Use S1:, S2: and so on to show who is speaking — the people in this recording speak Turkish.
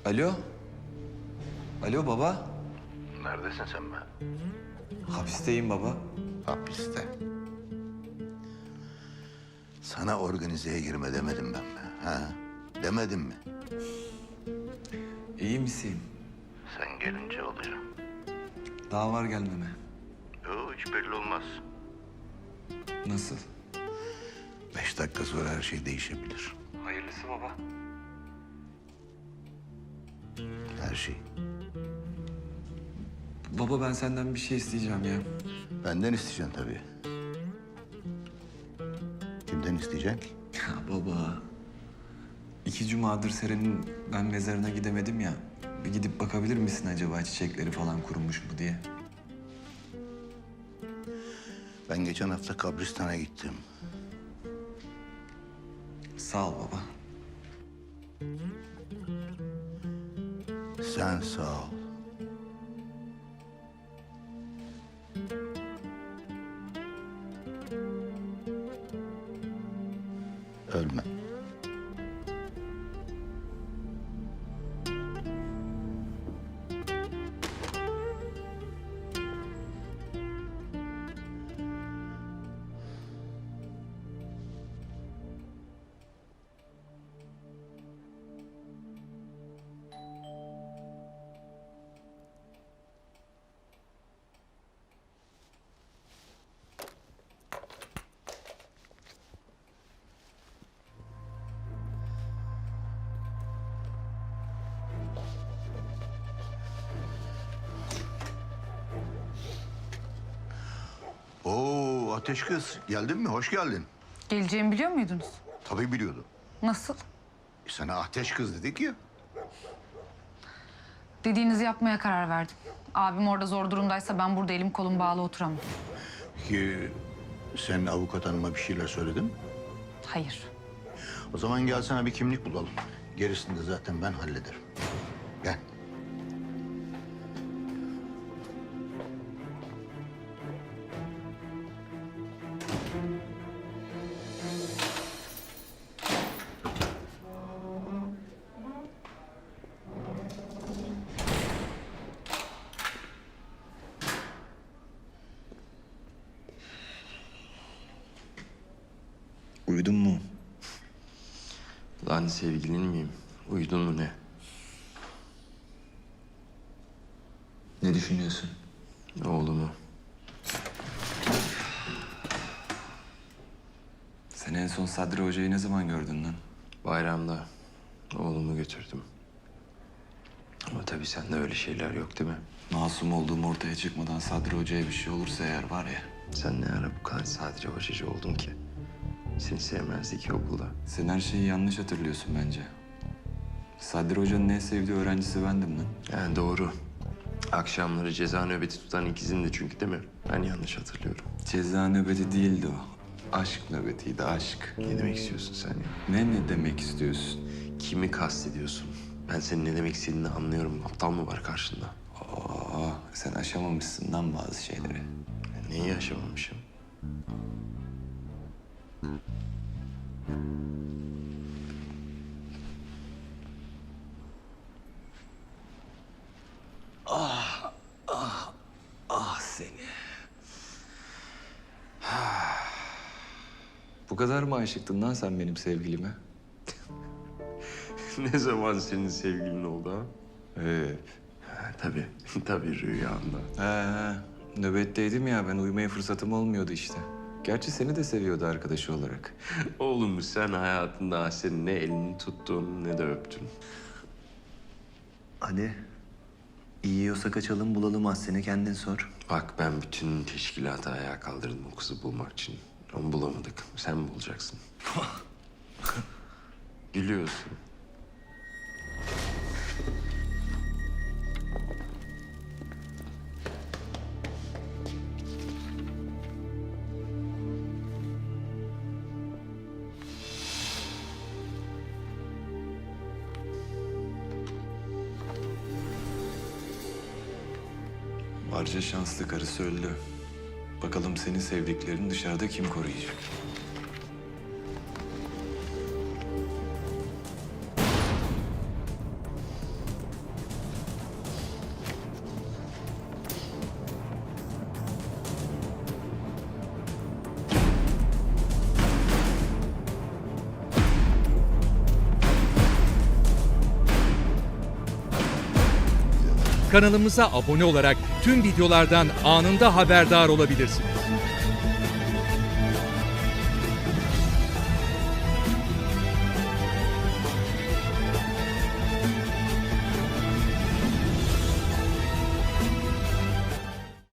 S1: Alo? Alo baba?
S2: Neredesin sen be?
S1: Hapisteyim baba.
S2: Hapiste. Sana organizeye girme demedim ben mi? Ha? Demedim mi?
S1: İyi misin?
S2: Sen gelince olacağım.
S1: Daha var gelmeme.
S2: Yok, hiç belli olmaz.
S1: Nasıl?
S2: 5 dakika sonra her şey değişebilir.
S1: Hayırlısı baba.
S2: Her şey.
S1: Baba ben senden bir şey isteyeceğim ya.
S2: Benden isteyeceksin tabii. Kimden isteyeceksin ki?
S1: Ya baba. 2 cumadır Seren'in ben mezarına gidemedim ya. Bir gidip bakabilir misin acaba çiçekleri falan kurumuş mu diye?
S2: Ben geçen hafta kabristana gittim.
S1: Sağ ol baba.
S2: Sen sağ ol. Ölme. Oo, Ateş kız. Geldin mi? Hoş geldin.
S3: Geleceğimi biliyor muydunuz?
S2: Tabii biliyordum.
S3: Nasıl?
S2: Sana Ateş kız dedik ya.
S3: Dediğinizi yapmaya karar verdim. Abim orada zor durumdaysa ben burada elim kolum bağlı oturamam.
S2: Ki sen avukat hanıma bir şeyler söyledin mi?
S3: Hayır.
S2: O zaman gel sana bir kimlik bulalım. Gerisini de zaten ben hallederim. Gel.
S1: Uyudun mu?
S4: Lan sevgilin miyim? Uyudun mu ne?
S1: Ne düşünüyorsun?
S4: Oğlumu.
S1: Sen en son Sadri Hoca'yı ne zaman gördün lan?
S4: Bayramda oğlumu götürdüm. Ama tabii sende öyle şeyler yok değil mi?
S1: Masum olduğum ortaya çıkmadan Sadri Hoca'ya bir şey olursa eğer var ya...
S4: Sen ne ara bu kadar sadece hocacı oldun ki? Seni sevmezdi ki okulda.
S1: Sen her şeyi yanlış hatırlıyorsun bence. Sadri Hoca'nın en sevdiği öğrencisi bendim lan.
S4: Yani doğru. Akşamları ceza nöbeti tutan ikizindi çünkü değil mi? Ben yanlış hatırlıyorum.
S1: Ceza nöbeti değildi o. Aşk nöbetiydi, aşk.
S4: Ne demek istiyorsun sen ya?
S1: Ne demek istiyorsun?
S4: Kimi kastediyorsun? Ben senin ne demek istediğini anlıyorum. Aptal mı var karşında?
S1: Sen aşamamışsın lan bazı şeyleri.
S4: Neyi yaşamamışım?
S1: Ah seni. Bu kadar mı aşıktın lan sen benim sevgilime?
S4: Ne zaman senin sevgilin oldu ha?
S1: Hep.
S4: Tabii, tabii rüyamda.
S1: He, nöbetteydim ya ben uyumaya fırsatım olmuyordu işte. Gerçi seni de seviyordu arkadaşı olarak.
S4: Oğlum sen hayatında Asen'in ne elini tuttun ne de öptün.
S1: Hadi. İyi yiyorsa kaçalım bulalım Aslen'i kendin sor.
S4: Bak ben bütün teşkilatı ayağa kaldırdım o kızı bulmak için. Onu bulamadık. Sen mi bulacaksın? Gülüyorsun.
S1: Barca şanslı karısı öldü. Bakalım senin sevdiklerini dışarıda kim koruyacak?
S5: Kanalımıza abone olarak tüm videolardan anında haberdar olabilirsiniz.